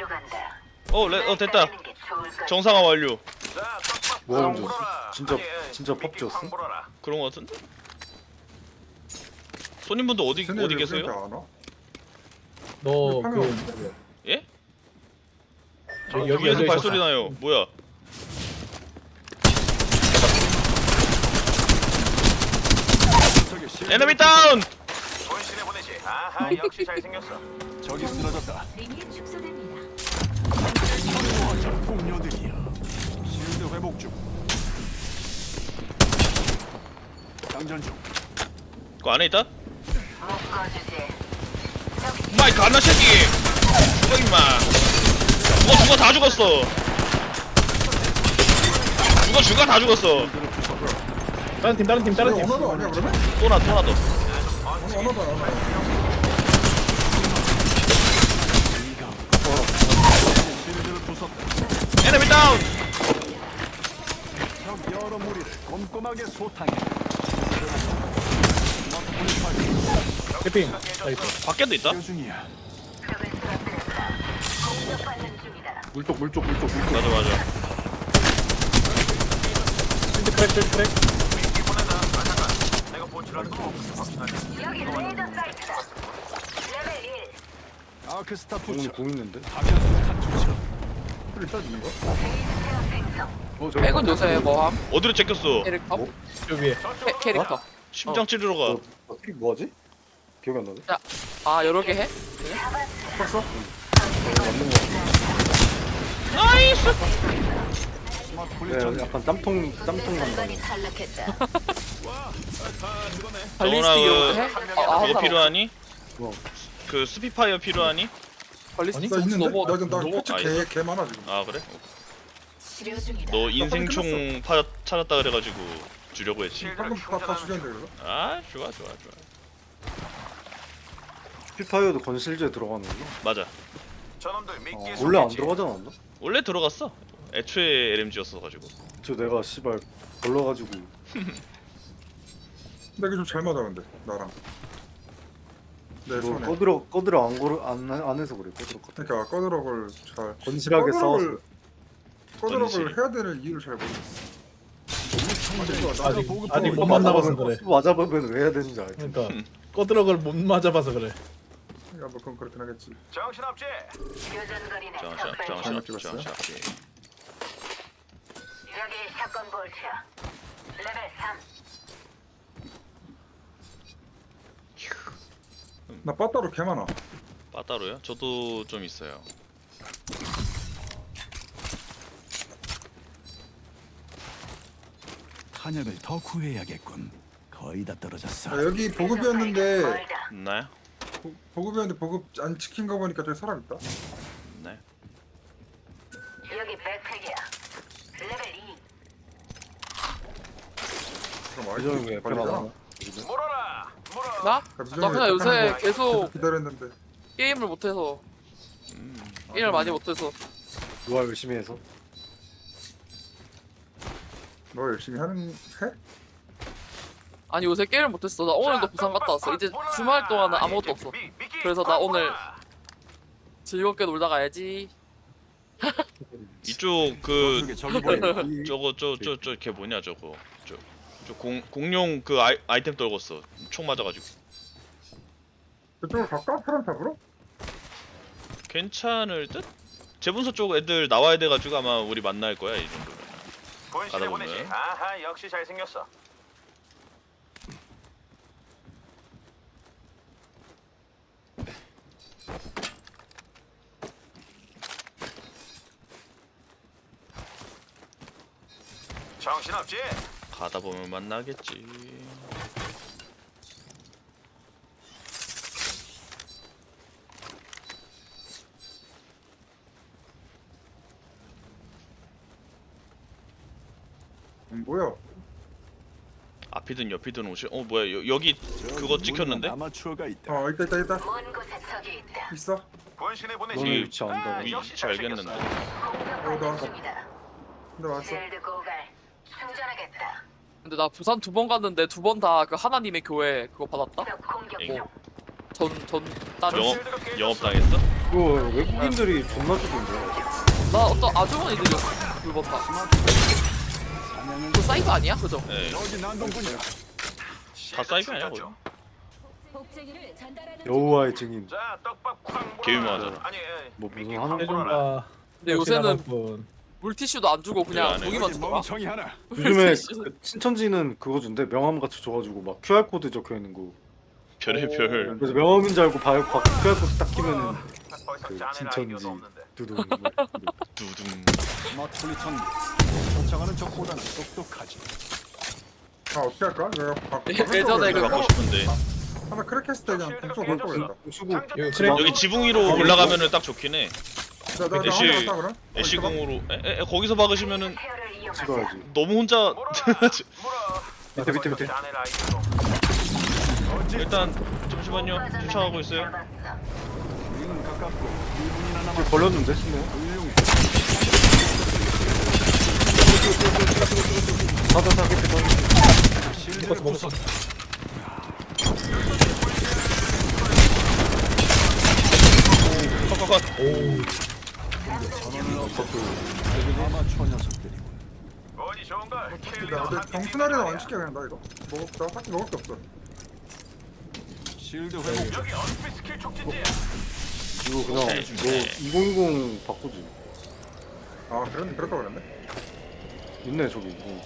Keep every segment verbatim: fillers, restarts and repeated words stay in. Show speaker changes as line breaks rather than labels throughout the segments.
어, 레, 어 됐다. 정상화 완료.
뭐 하는 줄 진짜 진짜 펍지였어?
그런 거 같은데? 손님분들 어디 어디 계세요?
너
그
그
예?
여기 여기
위에서
열려
발소리
있었어.
나요. 뭐야? 에너미 다운!
본신에 보내지. 아하, 역시 잘생겼어.
적이 쓰러졌다.
링이 축소됩니다.
저 공녀들이야. 실드 회복 중. 장전 중.
그 안에 있다? 마이크 안나 새끼! 죽어 임마! 죽어 죽어 다 죽었어! 죽어 죽어 다 죽었어!
다른 팀 다른 팀 다른 팀.
언어도 아니야 그러면?
또나 또나 더.
언어도 아니야.
실드를 부쉈다.
에너미 다운!
적 여러 무리를 꼼꼼하게 소탕해. 스마트폰을 발견.
캠핑. 나이스.
밖에도 있다?
여 중이야.
물쪽 물쪽 물쪽 물쪽.
맞아 맞아.
실드 크랙 실드 크랙.
내가 보출하는 거 확실하게.
아크스타
공,
투처.
공 있는데?
파견수탄 투처.
소리 짜지는 거? 어 저기
백은 요새 뭐함?
어디로 제꼈어?
캐릭터?
뭐?
저 위에.
캐, 캐릭터.
심장 찌르러 가.
어, 어떻게 뭐하지? 기억이 안 나네.
아 여러 개 해?
봤어? 맞는 거.
나이스!
스마트폰을
네,
전
약간 땀통 땀통 간다.
발리스틱으로 해? 아,
그거
아,
필요하니?
뭐?
그 스피파이어 필요하니?
발리스틱
나 있는데?
너무
나 지금 나
너무-
패치
아,
개, 개 많아 지금.
아 그래?
치료 중이다.
너 인생총 파, 찾았다 그래가지고 주려고 했지.
방금 다, 다 죽였는데 그래서?
아 좋아 좋아 좋아.
피파이어도 건실제에 들어가는 거?
맞아.
저놈들 믿기
어, 원래 안 들어가지 않았나?
원래 들어갔어. 애초에 엘엠지였어가지고.
저 내가 씨발 걸러가지고.
근데 이게 좀 잘 맞아 근데 나랑 내
뭐
손에
꺼들어 꺼들어 안 걸어 안, 안 해서 그래. 꺼들어 꺼들어.
그러니까 꺼드럭을 잘
건실하게 싸워서.
꺼드럭을
건실.
해야 되는 이유를 잘 모르겠어.
아직
보급
아직 못
보급
만나봐서 그래.
맞아보면 왜 해야 되는지 알지.
그러니까 꺼드럭을 못 맞아봐서 그래.
야, 뭐 그건 그렇긴 하겠지.
정신없지?
정신 정신
잘못
없지
찍었어요?
정신 없지.
여기 샷건 볼트. 레벨 삼.
나 빠따로 개 많아.
빠따로요? 저도 좀 있어요.
탄약을 더 구해야겠군. 거의 다 떨어졌어.
야, 여기 보급이었는데
멀다.
있나요?
보, 보급이었는데 보급 안 지킨 거 보니까 저기 사람 있다.
있나요?
여기 백팩이야. 레벨 이.
그럼
그 정도
아이템
왜
걸리잖아.
변하나?
물어라! 물어!
나?
그러니까
나 그냥 요새
하는 거
계속
기다렸는데
게임을 못해서
음.
게임을 많이 못해서
누가 열심히 해서.
너 열심히 하는 해?
아니 요새 게임을 못했어. 나 오늘도 부산 갔다 왔어. 이제 주말 동안은 아무것도 없어. 그래서 나 오늘 즐겁게 놀다 가야지.
이쪽 그
저쪽에 적이 보인다.
이-
저거 저저 저 걔 뭐냐 저거 저 저 공 공룡 그 아이, 아이템 떨궜어. 총 맞아가지고.
그쪽으로 갈까? 사람 잡으러?
괜찮을 듯? 재분소 쪽 애들 나와야 돼가지고 아마 우리 만날 거야 이 정도면.
본신에
가다
보내지.
보면.
아하, 역시 잘생겼어. 정신없지?
가다 보면 만나겠지.
음, 뭐야?
앞이든 옆이든 오실. 어 뭐야 여, 여기 그거 찍혔는데?
아마추어가 있다.
어 있다 있다 있다.
먼 곳에 적이 있다.
있어?
본신에 보내지.
너네 위치 안다고.
아,
위-
역시
위치 알겠는데.
잘생겼어.
공격받는
나-
중이다.
근데 왔어.
쉴드 고갈. 충전하겠다.
근데 나 부산 두 번 갔는데 두 번 다 그 하나님의 교회 그거 받았다?
적 공격
예.
중.
전전 다른
영업 영업 당했어?
그거 외국인들이 존나 주던데.
나 어떤 아주머니들이었어 불법파. 그 사이버 아니야 그죠?
예.
여기 난동군이야.
다 사이비 아니야 거의?
복제기를 전달하는
여호와의 증인.
자, 떡밥 쾅 물어라.
개 유명하잖아.
아니, 예.
뭐 무슨
미끼
하는
쾅
거?
물어라.
해준다.
근데 요새는
분.
물티슈도 안 주고 그냥
안 해.
고기만
여기
주더라.
멍청이 하나.
요즘에
물티슈.
그 신천지는 그거 준대. 명함 같이 줘가지고 막 큐알 코드 적혀 있는 거.
별의별.
그래서 명함인 줄 알고 봐요. 큐알 코드 딱 끼면은
더 이상
그
짜낼
신천지
아이디어도 없는데.
두둥.
두둥.
스마트 분리 전기. 쫓아가는 적보다는 똑똑하지.
아 어떻게 할까? 내가 바,
예- 예전에 그
갖고 싶은데
하나 크랙 했을 때 그냥 공수 못 보겠다.
수고.
이거
어,
그래.
여기 지붕 위로 올라가면은 딱 좋긴 해.
나나
애쉬-
혼자 갔다 그럼?
애쉬궁으로 에, 에, 거기서 박으시면은
케어를 이용하자.
찍어야지.
너무 혼자
물어라. 물어.
밑에 밑에 밑에.
짜낼 아이디어도 없는데.
일단 잠시만요. 쫓아가고 있어요.
우리는 가깝고 이 분이나 남았어.
걸렸는데 신네.
훌륭해.
다다다 깊이 던.
실드를
먹었어 먹었어.
부쉈다.
컷컷컷.
오.
전원을 없었고 아마추어 녀석들이군.
어디 좋은가?
나 근데 정순아리는 안 시켜 그냥 나 이거. 먹을 나 딱히 먹을 게 없어.
실드 회복.
여기 언스피 스킬 촉진지야.
이거 그냥
네,
너
네.
이천이십 바꾸지.
아 그런 그렇다 그랬네.
있네 저기. 어.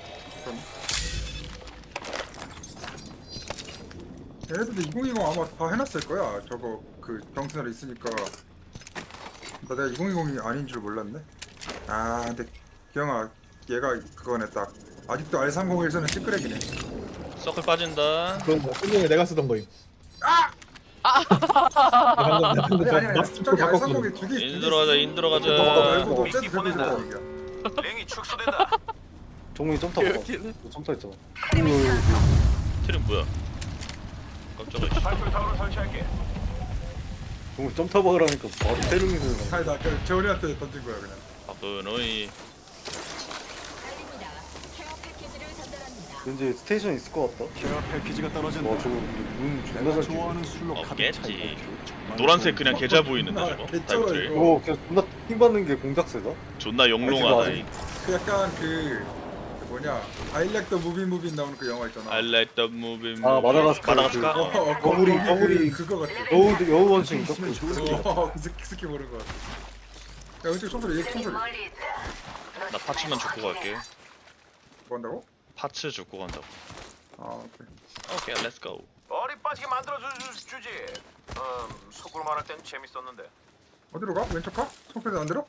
얘네들도 이천이십 아마 다 해놨을 거야. 저거 그 정순아리 있으니까. 나 내가 이천이십이 아닌 줄 몰랐네. 아 근데 기영아 얘가 그거네 딱. 아직도 알 삼공일에서는 찌끄레기네.
서클 빠진다.
그건 뭐 순종에 내가 쓰던 거임.
아!
방금
아니
방금
아니 아니.
마스터
저기 알
바꿨거든.
삼공일 두 개.
인 들어가자 인
너
들어가자.
말고도 쟤도 들고 있었다는 얘기야.
랭이 축소된다.
정문이 점타 봐.
이렇게는.
점타 있잖아.
트림 뭐야? 깜짝이야.
발표 타워를 설치할게.
정문이 점타 박으라니까 바로 때리는
아니 나 그냥 재원이한테 던진 거야 그냥.
바쁘노이.
알립니다. 케어 패키지를 전달합니다.
왠지 스테이션 있을 것 같다.
케어 패키지가 떨어진다.
와 저거 눈 존나
내가
잘 띄네.
좋아하는 술로 가득
없겠지.
차있고.
노란색 그냥 계좌 보이는데
아,
저거.
개쩔어,
타임트리.
이거.
오 그냥 존나 힘 받는 게 공작새다.
존나 영롱하다. 이.
그 약간 그, 그 뭐냐 I like the movie movie 나오는 그 영화 있잖아.
I like the movie.
아, 마다가스카르
마다가스카.
어,
그-
어, 거-
거구리,
거기
거구리.
그, 그거 같아.
여우 여우 원숭인가?
있으면 좋을 것 같아.
어, 그 스키, 스키 모르는 거 같아. 야 왼쪽 총소리 얘
저기
총소리
멀리 있다.
나 파츠만 줍고 갈게.
뭐 한다고?
파츠 줍고 간다고.
아 오케이.
오케이, 렛츠 고.
어리 빠지게 만들어 주, 주, 주지. 음, 속으로 말할 땐 재밌었는데.
어디로 가? 왼쪽 가? 총소리 안 들어?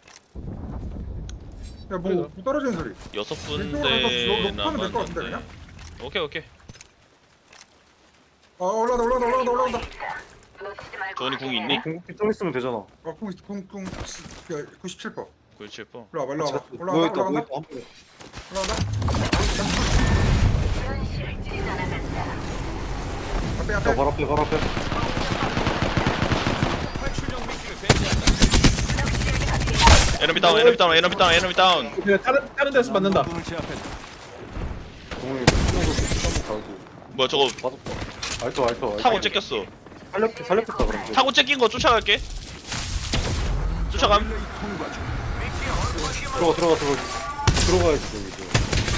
야뭐 뭐 떨어지는 소리.
여섯
왼쪽으로 가서
군데
녹- 녹화하면 될것 같은데,
남았는데. 오케이, 오케이.
아 올라온다 올라온다 올라온다 올라온다.
놓치지 말고
조원이 궁
확인해.
있니?
공격기 좀 있으면 되잖아.
아 쿵, 쿵, 쿵, 구십칠 퍼.
구십칠 퍼.
일로 와봐 일로 와봐.
뭐
올라간다
있다 뭐
올라간다
있다 한 번에.
올라간다.
현실 찢어나간다.
앞에
야
앞에.
바로 앞에 바로 앞에.
에너미 다운, 에너미 다운, 에너미 다운, 에너미 다운.
그냥 다른 다른 데서 맞는다.
난동군을 제압했다.
정문이 풀어서 한번 가고.
뭐야 저거
맞았다. 알토 알토 알토.
타고 째꼈어.
살렸 살렸겠다 그럼. 이제.
타고 째낀 거 쫓아갈게. 쫓아감.
릴레이 통과 중.
들어가 들어가 들어가. 들어가야지 저기 이제.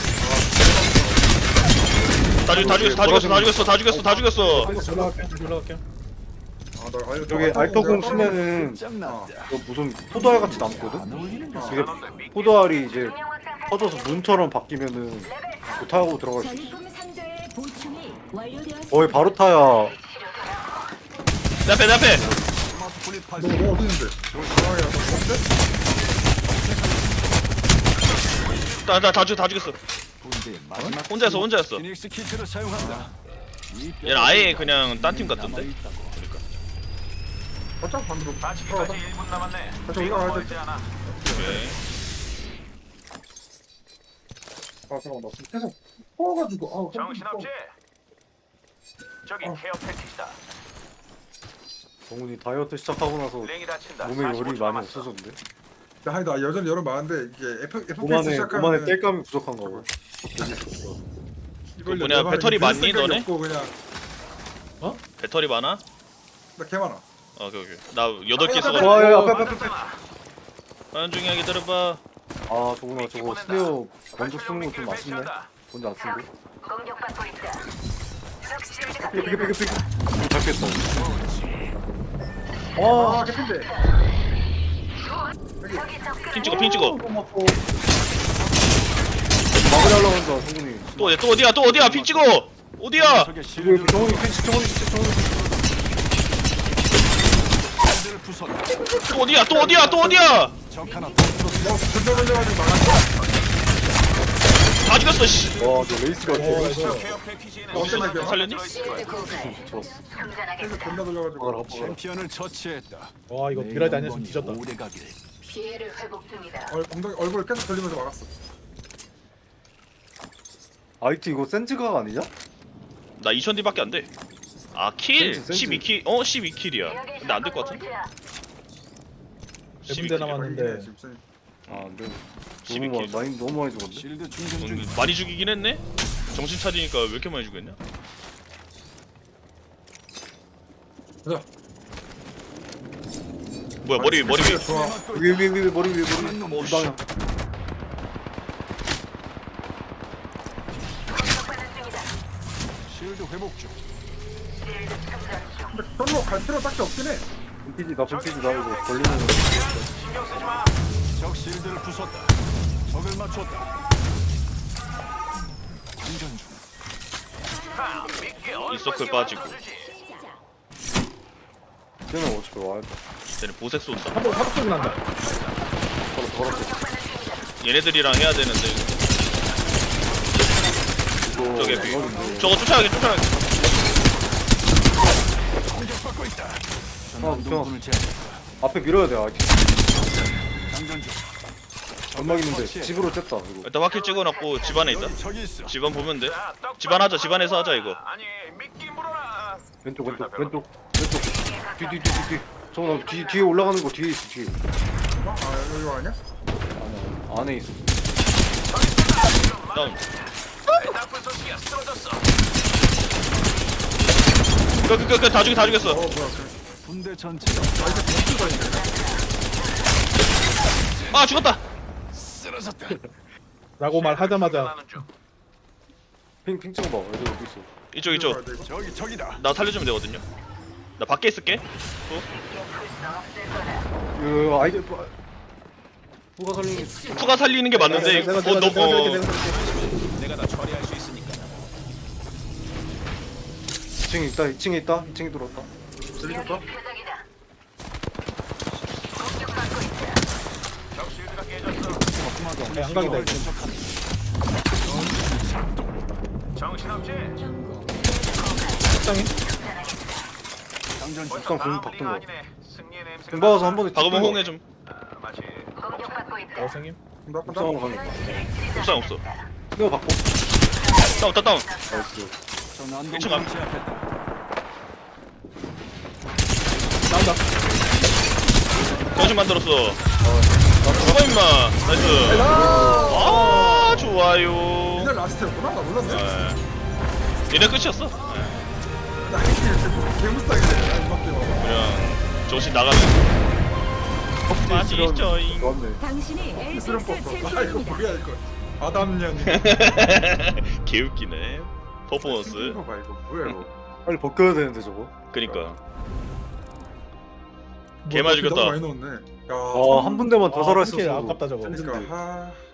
다 죽, 다 죽였어, 다 죽였어, 다 죽였어, 다 죽였어, 다 죽였어.
올라갈게. 다시 올라갈게.
아나 알토
여기 알토공 치면은
짱난다.
그 무슨 포도알 같이 남거든.
안 어울리는 거.
이게 포도알이 이제 터져서 문처럼 바뀌면은 그 타고 들어갈 수 있어.
전리품 상자의 보충이 완료되었습니다.
거의 바로 타야.
내 앞에, 내 앞에.
스마트 분리
너
발사.
뭐 어디 있는데? 아야 너 뭔데?
다, 다, 다 죽, 다 죽였어.
군대의 마지막
혼자였어, 혼자였어.
피닉스 키트를 사용한다. 이
얘는 아예 그냥 딴 팀 같던데.
남아있다고.
그러니까.
어차피 반대로
다치기까지
들어가자.
일 분 남았네.
다시
이거
올라가야
멀지
돼.
않아.
오케이.
아 잠깐만 나 지금 계속 퍼가지고 아
정신없지? 저기
어.
케어 패키지다.
정훈이 다이어트 시작하고 나서
랭이 다친다.
몸에 열이
사십오 초
많이
남았어.
없어졌는데.
나 아니 나 여전히 열은 많은데 이게 F FPS
오만에
시작하면
오만에 뗄감이 부족한가 봐.
그 뭐냐, 배터리 많니, 너네?
없고 그냥
배터리 많아?
개 많아.
아, 오케이 오케이. 나 여덟 개 써가지고.
와, 야, 야, 앞에, 앞에, 앞에.
안중히 기다려봐.
아, 저거나 저거 스네어 먼저 쓰는 거 좀 아쉽네. 먼저 안 쓰고.
공격받고 있다. 적실드가
삐게, 삐게, 삐게, 삐게. 이거 잡겠다.
아
와,
개핀데.
적이 접근.
핀 찍어 핀 찍어.
막으려고 한다, 성군이.
또 어디야 또 어디야 또 어디야 핀 찍어. 어디야?
적의
이거
실드를
정원이 펜치, 정원이 진짜 정원이.
부쉈다.
또 어디야 또 어디야 또 어디야?
적 하나 더 부쉈다.
어 전자 걸려가지고 막았어.
다 죽였어 씨.
와, 저 레이스가
어,
개
이거.
케어 패키지는
어떤
시간이
얘기야?
살렸니?
실드 고갈.
좋았어.
충전하겠다.
계속 전자 돌려가지고.
먹어라, 먹어라.
챔피언을 처치했다.
와 이거
내
비라이드 아니었으면
영광이
뒤졌다.
오래 가길.
피해를 회복 중이다.
얼, 엉덩이 얼굴 계속 돌리면서 막았어.
아이티 이거 센즈가 아니냐?
나 이천 디밖에 안 돼. 아 킬?
센치, 센치.
십이 킬? 어 십이 킬이야. 근데 안 될 것 같은데?
몇
십이
군데
킬.
남았는데
지금 세-
아, 안 돼.
십이
너무
킬.
많이, 많이 너무 많이 죽었네.
실드 충전 중.
음, 많이 죽이긴 했네? 정신 차리니까 왜 이렇게 많이 죽였냐?
가자.
뭐야 머리 머리 위에
좋아.
위에, 위에, 위에, 머리 위에, 머리 위에.
놈
이 방향.
실드 회복 중.
근데 별로 갈 필요 딱히 없긴 해.
분피지, 나 분피지, 나 이거 걸리면.
신경 쓰지 마.
적 실드를 부쉈다. 적을 맞췄다. 충전 중.
하, 믿게 얼마나
서클 빠지고.
맞춰주지.
쟤는 어차피 와야 돼.
쟤는 보색 쏜다.
한번 사복 소리 난다.
걸어, 걸었어.
얘네들이랑 해야 되는데
이거,
저게 비
이거는 뭐-
저거 쫓아가게 쫓아가게.
공격받고 있다.
아,
전원 동분을 제압했다.
앞에 밀어야 돼, 아이티.
장전 중.
연막 있는데 집으로 쨌다 이거.
일단 화킬 찍어놨고 집안에 있다.
여기 적이 있어.
집안 보면 돼.
자, 똑바로
집안 하자, 집안에서 하자, 이거.
아니, 믿기 물어라.
왼쪽, 왼쪽, 왼쪽, 왼쪽. 뒤, 뒤, 뒤, 뒤, 뒤. 저거 나 뒤, 뒤에 올라가는 거 뒤에 있어, 뒤에.
어? 아 이거 아니야?
안에, 안에 있어.
다운.
나쁜 소식이야. 쓰러졌어.
끝끝끝다 죽이 다 죽였어.
어 뭐야? 그
군대 전체가
아이템 무슨 거인데?
아 죽었다.
쓰러졌다.
라고 말하자마자
충전하는 중.
핑, 핑 찍어봐. 어디, 어디 있어.
이쪽 이쪽.
저기 적이다.
나 살려주면 되거든요. 나 밖에 있을게.
이거 아이디, 뭐, 누가 살리는 게.
투가 살리는 게 맞는데.
내가
어
내가
너
내가 내가
어.
내가 내가
내가 다 처리할 수 있으니까.
이 층에 있다, 이 층에 있다, 이 층에 들어왔다.
들리셨다?
적 실드가 깨졌어.
양각이다 이거.
정신없지?
식당에
장전 중.
벌써
공
다음
바꾼
리가
거.
아니네. 승리의 냄새가
공 박아서
나.
한 번에
박으면
찍고
홍해 좀.
아, 마치
어 생김.
나 간다.
옥상으로 가는 거야.
옥상 없어.
이거 바꿔.
다운 다운 다운.
나이스.
저
일층
난동을
앞.
제압했다.
나온다.
정신 만들었어. 죽어 임마. 나이스. 아 좋아요.
이날 라스트였구나? 나 몰랐네.
네. 얘네 끝이었어. 네.
나 이게 개무쌍이네. 야 이만 게 봐봐.
그냥 정신 나가는. 맛있죠.
좋았네.
당신이
이스름
엘센스
뽑고. 아 이거
챔피언입니다.
뭐야 이거. 아담년.
개웃기네. 퍼포먼스.
이거 봐 이거 뭐야 이거.
빨리 벗겨야 되는데 저거.
그니까.
뭐,
개만
너무
죽였다.
많이 넣었네. 야.
아, 한 분대만 더
아,
살아있었어.
이렇게 아깝다 저거.
그러니까 하.